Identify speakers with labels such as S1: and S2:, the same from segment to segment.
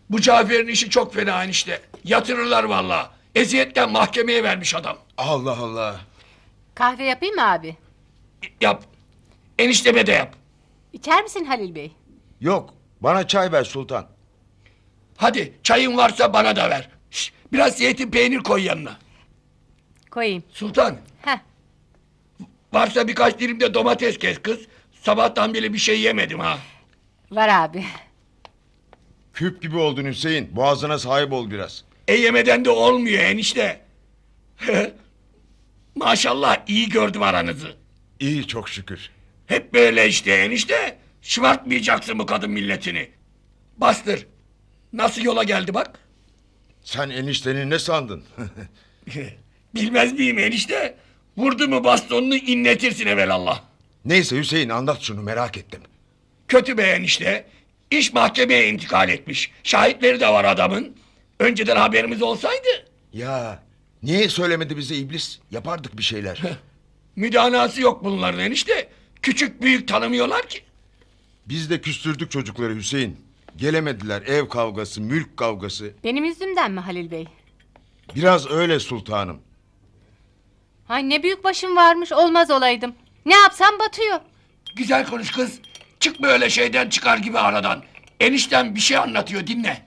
S1: Bu Cafer'in işi çok fena enişte. Yatırırlar vallahi. Eziyetten mahkemeye vermiş adam.
S2: Allah Allah.
S3: Kahve yapayım mı abi?
S1: Yap. Enişteme de yap.
S3: İçer misin Halil Bey?
S2: Yok, bana çay ver Sultan.
S1: Hadi çayın varsa bana da ver. Şş, biraz zeytin peynir koy yanına.
S3: Koyayım.
S1: Sultan,
S3: Heh.
S1: varsa birkaç dilim de domates kes kız. Sabahtan beri bir şey yemedim ha.
S3: Var abi.
S2: Küp gibi oldun Hüseyin. Boğazına sahip ol biraz.
S1: Yemeden de olmuyor enişte. Maşallah iyi gördüm aranızı.
S2: İyi çok şükür.
S1: Hep böyle işte enişte. Şımartmayacaksın bu kadın milletini. Bastır. Nasıl yola geldi bak.
S2: Sen enişteni ne sandın?
S1: Bilmez miyim enişte? Vurdu mu bastonunu inletirsin evelallah.
S2: Neyse Hüseyin anlat şunu merak ettim.
S1: Kötü be enişte. İş mahkemeye intikal etmiş. Şahitleri de var adamın. Önceden haberimiz olsaydı.
S2: Ya niye söylemedi bize iblis? Yapardık bir şeyler.
S1: Müdanası yok bunların enişte. Küçük büyük tanımıyorlar ki.
S2: Biz de küstürdük çocukları Hüseyin. Gelemediler, ev kavgası, mülk kavgası.
S3: Benim yüzümden mi Halil Bey?
S2: Biraz öyle sultanım.
S3: Ay ne büyük başım varmış, olmaz olaydım. Ne yapsam batıyor.
S1: Güzel konuş kız. Çıkma öyle şeyden çıkar gibi aradan. Enişten bir şey anlatıyor dinle.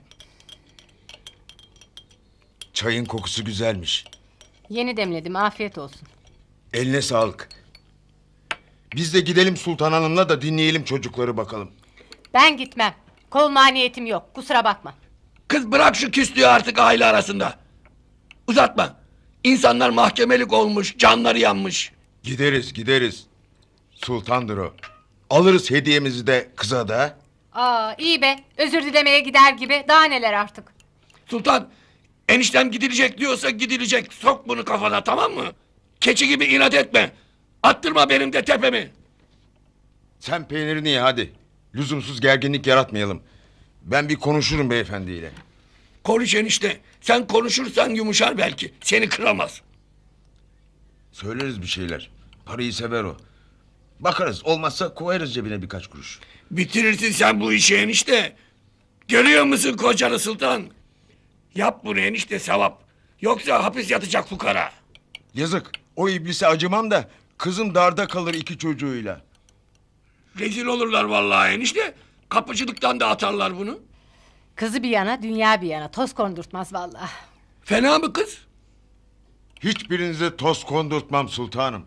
S2: Çayın kokusu güzelmiş.
S3: Yeni demledim, afiyet olsun.
S2: Eline sağlık. Biz de gidelim Sultan Hanım'la da dinleyelim çocukları bakalım.
S3: Ben gitmem. Kol maniyetim yok, kusura bakma.
S1: Kız bırak şu küslüğü artık aile arasında. Uzatma. İnsanlar mahkemelik olmuş, canları yanmış.
S2: Gideriz gideriz. Sultandır o. Alırız hediyemizi de kıza da.
S3: Aa iyi be, özür dilemeye gider gibi, daha neler artık.
S1: Sultan, eniştem gidilecek diyorsa gidilecek. Sok bunu kafana tamam mı? Keçi gibi inat etme. Attırma benim de tepemi.
S2: Sen peynirini ye hadi. Lüzumsuz gerginlik yaratmayalım. Ben bir konuşurum beyefendiyle.
S1: Konuş enişte. Sen konuşursan yumuşar belki. Seni kıramaz.
S2: Söyleriz bir şeyler. Parayı sever o. Bakarız olmazsa koyarız cebine birkaç kuruş.
S1: Bitirirsin sen bu işi enişte. Görüyor musun kocanı Sultan? Yap bunu enişte sevap. Yoksa hapis yatacak fukara.
S2: Yazık o iblise acımam da kızım darda kalır iki çocuğuyla.
S1: Rezil olurlar vallahi enişte. Kapıcılıktan da atarlar bunu.
S3: Kızı bir yana, dünya bir yana, toz kondurtmaz vallahi.
S1: Fena mı kız?
S2: Hiçbirinize toz kondurtmam sultanım.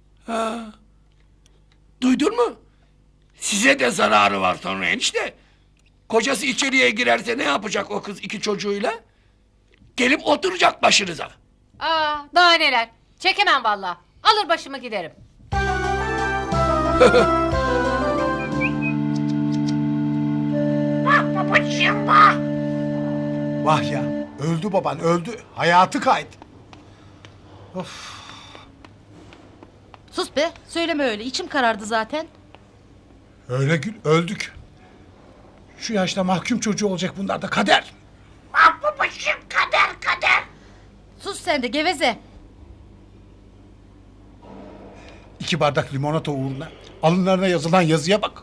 S1: Duydun mu? Size de zararı var sonra enişte. Kocası içeriye girerse ne yapacak o kız iki çocuğuyla? Gelip oturacak başınıza.
S3: Aa daha neler, çekemem vallahi. Alır başımı giderim.
S4: Vah ya, öldü baban öldü. Hayatı kaydı.
S5: Sus be, söyleme öyle. İçim karardı zaten.
S4: Öyle Gül, öldük. Şu yaşta mahkum çocuğu olacak bunlar da kader.
S5: Sus sen de geveze.
S4: 2 bardak limonata uğruna alınlarına yazılan yazıya bak.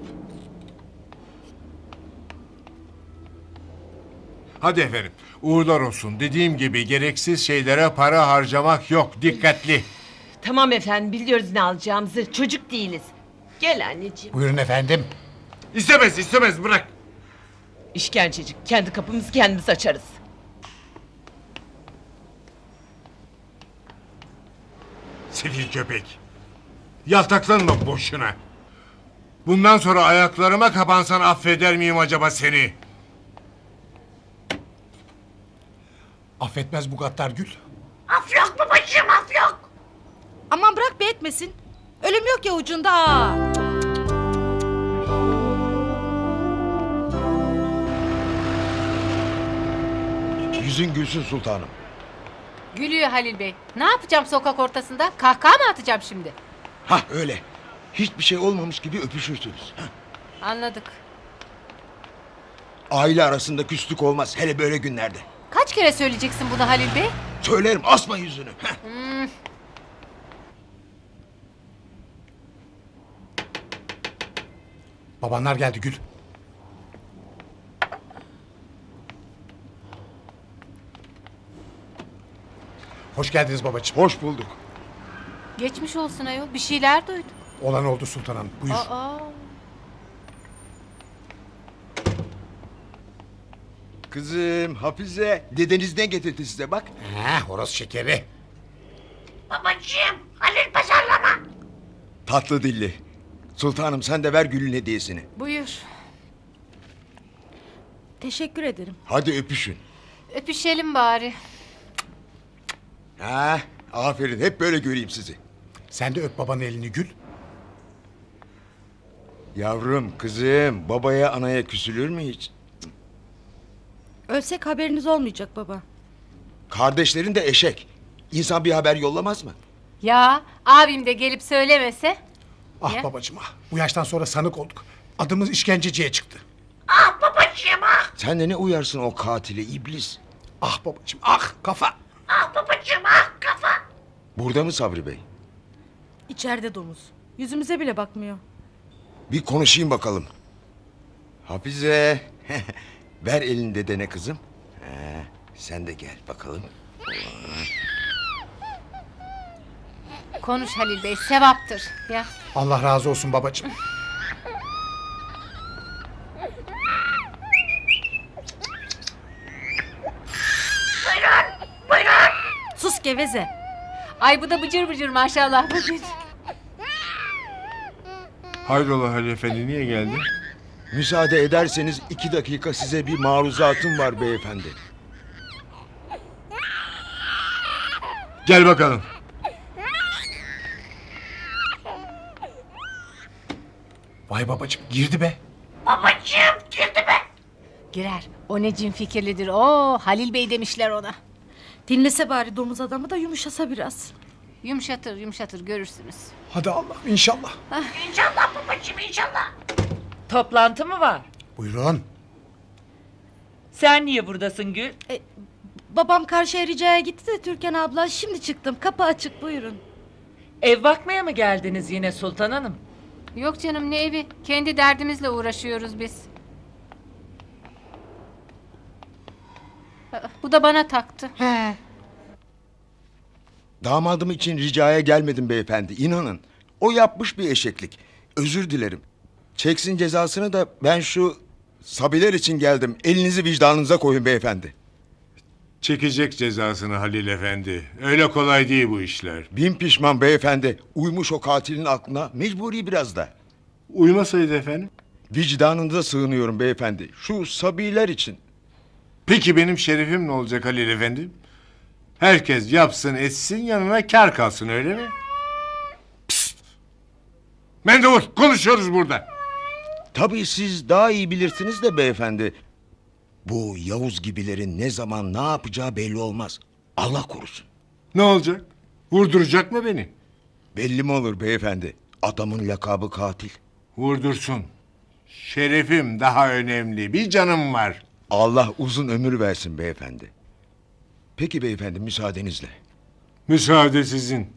S6: Hadi efendim, uğurlar olsun. Dediğim gibi gereksiz şeylere para harcamak yok. Dikkatli.
S7: Tamam efendim biliyoruz ne alacağımızı. Çocuk değiliz. Gel anneciğim.
S4: Buyurun efendim.
S6: İstemez, istemez. Bırak.
S7: İşkencecik. Kendi kapımızı kendimiz açarız.
S6: Sefil köpek. Yaltaklanma boşuna. Bundan sonra ayaklarıma kapansan affeder miyim acaba seni?
S4: Affetmez bu gaddar Gül.
S5: Aman bırak be etmesin. Ölüm yok ya ucunda. Aa.
S2: Yüzün gülsün sultanım.
S3: Gülüyor Halil Bey. Ne yapacağım sokak ortasında? Kahkaha mı atacağım şimdi?
S2: Hah öyle. Hiçbir şey olmamış gibi öpüşürsünüz. Hah.
S3: Anladık.
S2: Aile arasında küslük olmaz hele böyle günlerde.
S3: Kaç kere söyleyeceksin bunu Halil Bey?
S2: Söylerim asma yüzünü. Hah.
S4: Babanlar geldi Gül. Hoş geldiniz babacığım.
S2: Hoş bulduk.
S3: Geçmiş olsun ayol. Bir şeyler duydum.
S4: Olan oldu Sultan Hanım. Buyur.
S3: Aa.
S2: Kızım Hafize dedeniz ne getirdi size bak.
S4: Horoz şekeri.
S2: Tatlı dilli. Sultanım sen de ver Gül'ün hediyesini.
S3: Buyur.
S5: Teşekkür ederim.
S2: Hadi öpüşün.
S3: Öpüşelim bari.
S2: Aferin hep böyle göreyim sizi.
S4: Sen de öp babanın elini Gül.
S2: Yavrum kızım babaya anaya küsülür mü hiç?
S5: Ölsek haberiniz olmayacak baba.
S2: Kardeşlerin de eşek. İnsan bir haber yollamaz mı?
S3: Ya abim de gelip söylemese.
S4: Ah
S3: Ya.
S4: babacığım ah. Bu yaştan sonra sanık olduk. Adımız işkenceciye çıktı.
S2: Sen de ne uyarsın o katile iblis.
S4: Ah babacığım ah kafa.
S2: Burada mı Sabri Bey?
S5: İçeride domuz. Yüzümüze bile bakmıyor.
S2: Bir konuşayım bakalım. Hafize. Ver elini dedene kızım. Sen de gel bakalım.
S3: Konuş Halil Bey, sevaptır. Ya.
S4: Allah razı olsun babacığım.
S5: Sus geveze.
S3: Ay bu da bıcır bıcır maşallah. Bıcır.
S6: Hayrola Halil Efendi niye geldi?
S2: Müsaade ederseniz 2 dakika size bir maruzatım var beyefendi.
S6: Gel bakalım.
S4: Vay babacığım girdi be.
S3: Girer. O ne cin fikirlidir. Oo Halil Bey demişler ona.
S5: Dinlese bari domuz adamı da yumuşasa biraz.
S3: Yumuşatır yumuşatır görürsünüz.
S4: Hadi Allah inşallah.
S7: Toplantı mı var?
S4: Buyurun.
S7: Sen niye buradasın Gül?
S5: Babam karşıya ricaya gitti de Türkan abla. Şimdi çıktım. Kapı açık buyurun.
S7: Ev bakmaya mı geldiniz yine Sultan Hanım?
S3: Yok canım ne evi. Kendi derdimizle uğraşıyoruz biz. Bu da bana taktı.
S2: Damadım için ricaya gelmedim beyefendi. İnanın. O yapmış bir eşeklik. Özür dilerim. Çeksin cezasını da ben şu sabiler için geldim. Elinizi vicdanınıza koyun beyefendi.
S6: Çekecek cezasını Halil Efendi. Öyle kolay değil bu işler.
S2: Bin pişman beyefendi. Uymuş o katilin aklına. Mecburi biraz da.
S6: Uymasaydı efendim.
S2: Vicdanınıza sığınıyorum beyefendi. Şu sabiler için.
S6: Peki benim şerefim ne olacak Halil Efendi? Herkes yapsın etsin yanına kar kalsın öyle mi? Psst! Mendevur konuşuyoruz burada.
S2: Tabii siz daha iyi bilirsiniz de beyefendi. Bu Yavuz gibilerin ne zaman ne yapacağı belli olmaz. Allah korusun.
S6: Ne olacak? Vurduracak mı beni?
S2: Belli mi olur beyefendi? Adamın lakabı katil.
S6: Vurdursun. Şerefim daha önemli. Bir canım var.
S2: Allah uzun ömür versin beyefendi. Peki beyefendi müsaadenizle.
S6: Müsaade sizin.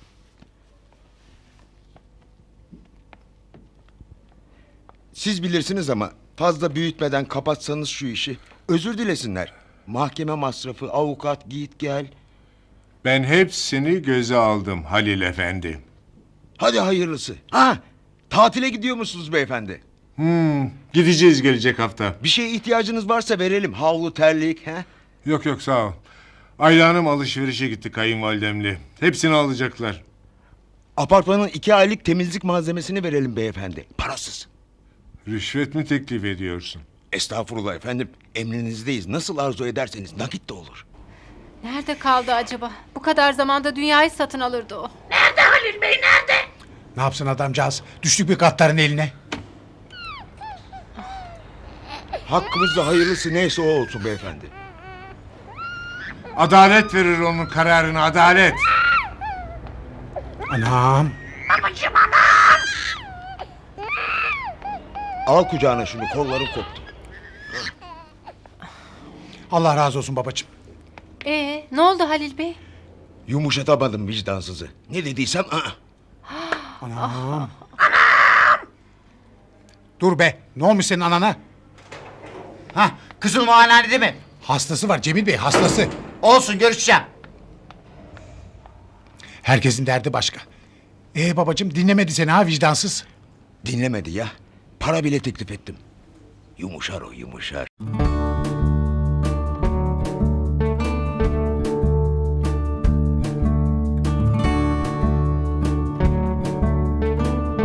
S2: Siz bilirsiniz ama fazla büyütmeden kapatsanız şu işi. Özür dilesinler. Mahkeme masrafı, avukat, git gel.
S6: Ben hepsini göze aldım Halil Efendi.
S2: Hadi hayırlısı. Tatile gidiyor musunuz beyefendi?
S6: Gideceğiz gelecek hafta.
S2: Bir şeye ihtiyacınız varsa verelim. Havlu, terlik.
S6: Yok yok sağ ol. Ayla Hanım alışverişe gitti kayınvalidemle. Hepsini alacaklar.
S2: Apartmanın 2 aylık temizlik malzemesini verelim beyefendi. Parasız.
S6: Rüşvet mi teklif ediyorsun?
S2: Estağfurullah efendim. Emrinizdeyiz. Nasıl arzu ederseniz nakit de olur.
S3: Nerede kaldı acaba? Bu kadar zamanda dünyayı satın alırdı o.
S4: Ne yapsın adamcağız? Düştük bir katların eline.
S2: Hakkımızda hayırlısı neyse o olsun beyefendi.
S6: Adalet verir onun kararını adalet.
S4: Anam.
S2: Al kucağına şunu, kolların koptu.
S4: Allah razı olsun babacığım.
S3: Ne oldu Halil Bey?
S2: Yumuşatamadım vicdansızı. Ne dediysem
S4: Anam. Dur be. Ne olmuş senin anana?
S8: Hah, kızıl muayenehanede mi?
S4: Hastası var Cemil Bey hastası.
S8: Olsun, görüşeceğim.
S4: Herkesin derdi başka. Babacığım dinlemedi seni ha vicdansız.
S2: Dinlemedi ya. Para bile teklif ettim. Yumuşar o yumuşar.